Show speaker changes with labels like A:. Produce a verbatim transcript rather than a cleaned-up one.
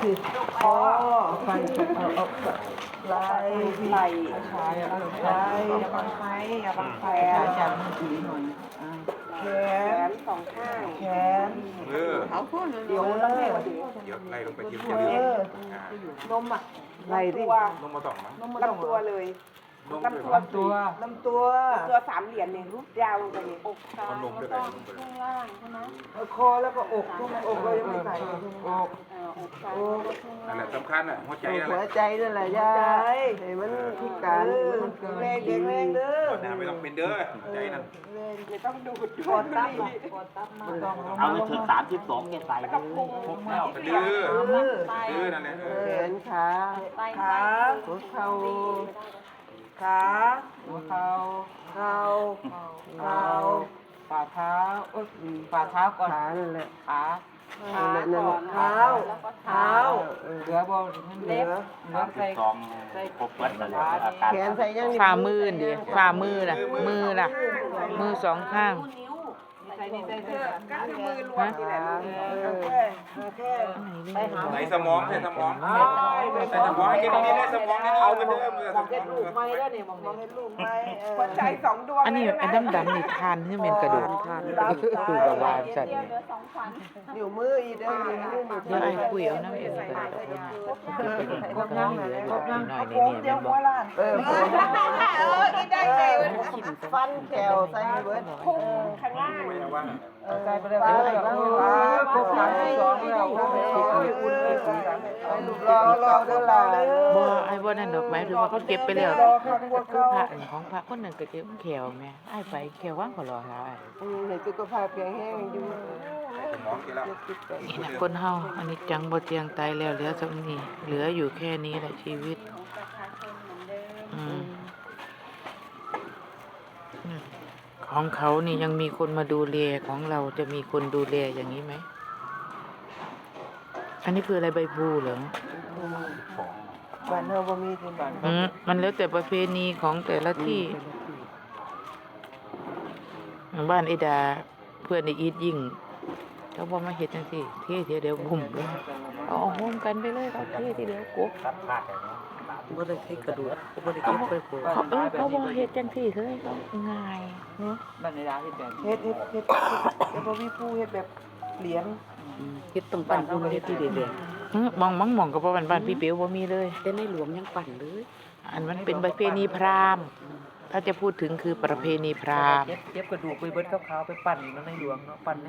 A: คือคอไฟเอาเอาไหลไหลชายอะไหลอย่าบังไฟอย่าบังไฟชายจับมือถือหน่อยแขนสองข้างแขน
B: เออ
A: เอาพูดเดี๋ยวต้องให้ว่าเดี๋ยว
B: เดี๋ยวไล่ลงไปทีม
A: เอ
B: เดียว
A: อนมอ่ะไหลดิ
B: ลงมาสองมั้ง
A: ลำตัวเลยลำตัวลำตัวลำตัวตัวสามเหรียญเนี่ยยาวลงไปเลยอกซ้าย
B: ลงด้วยกันลงไปเลย
A: ข้างล่างใช่ไหมคอแล้วก็อกทุกอกเรายังไม่ใส่อกอกซ้าย
B: นั่นแหละสำคัญอ่ะหัวใจนั่นแห
C: หัว
B: ละ
C: ใจนั่นแหละยาให้มันพิการมัน
A: แรงแข็งแรงเด้อ
B: น้ำไม่ต้องเป็นเด้อหัวใจนั่น
A: ไม่ต้องดูดกดตับกดตับมาต้อง
D: เอาไปถึงสามสิบสองแกใส่เลยพกแล้ว
B: ดื้อดื้อนั่นแหละ
C: แขนขา
A: ขา
C: หัวเข่า
A: ขาหัวเข่าเข่าเข่าฝ่าเท้าเอ้ยฝ่าเท้าก่อน
C: ขานั่นแหละ
A: ขาขาก่อนเท้าเท้าเหลือบนเล็บเหลือใส่
D: สองครบวัดเลยอาการ
C: แขนใส่ยัง
E: ฝ่ามือดิฝ่ามือน่ะมือน่ะมือสองข้าง
A: ใส่นี่ใส่ใส่ก็คือมือรวมนี่แหละแค่แค่ไปหา
B: ไหนสมองใส่สมองใส่สมองให้กินนี่ได้สมองนี่เอากันเด้อมือสมอง
A: ลูกไม้แล้วเนี่ยมองเห็นลูกไม้หัวใจสองดวง
E: อันนี้ไอ้ดำดำๆนี่ทานให้เป็นกระดูกทานคือกับวานสัตว์เนี่ย
C: นิ้วมืออีกเด้อนิ้วมือ
E: เดี๋ยวไอ้คุยเอาน้ำเองไปก็น้ำเหลือหน่อยนี่เนี่ยมันบอก
C: เออ
A: เออได้เลย
C: ฟันแขวใส่เบิด
A: พุ่งข้างล่าง
B: ไม่ว่า
A: ใส่ไปเลยครบสามสองแล้วครบอุ่นเลยรอรอเด้อล่ะ
E: บ่ไอ้บ่นั่นดอกไม้ถือว่าเขาเก็บไปแล้ว
A: รอข้างบน
E: คือ
A: เขา
E: พระอันของพระคนหนึ่งก็เก็บแขวแม่ไอ้ไปแขวว่างก็รอแล้วไอ้
C: ให้สุขภาพแข็งแรงอยู่
B: สมองกินแล้ว
E: นี่นะคนเฮาอันนี้จังบ่เจียงตายแล้วเหลือสักนี้เหลืออยู่แค่นี้แหละชีวิตอืมของเขานี่ยังมีคนมาดูแลของเราจะมีคนดูแลอย่างนี้ไหมอันนี้คืออะไรใบพลูเหรอ
C: บ้านเฮาบ่มีที่บ้าน
E: อืมมันแล้วแต่ประเพณีของแต่ละที่บ้านไอ้ดาเพื่อนไอ้อีทยิ่งเขาบอกมาเฮ็ดจังซี่เท่เทียเดียวบุ่มเลยเอาโฮมกันไปเลยเขาเท่ทีเดียวกุ๊บ
D: ตัดพลาดเลยเนาะ
C: บ่ได้ให้กระดูกบ่ได้เก็บไปโค
E: เขาเออเขาบอกเฮ็ดจังซี่เลยเขาง่ายเนาะ
A: บ้านในร้านเฮ็ดแบบเฮ็ดเฮ็ดเฮ็ดเฮ็ดบ่มีผู้เฮ็ดแบบเหรียญ
C: เฮ็ดต้องปั่นอุ่นเฮ็ดที่เด็ด
E: อืมมองมังมองก็บ่บ้านบ้านพี่เปียวบ่มีเลย
C: ๆแต่ในหลวงยังปั่นเลย
E: อันมันเป็นประเพณีพราหมณ์ถ้าจะพูดถึงคือประเพณีพราหมณ์
A: เก็บเก็บกระดูกไปเบิดขาวๆไปปั่นในหลวงเนาะปั่น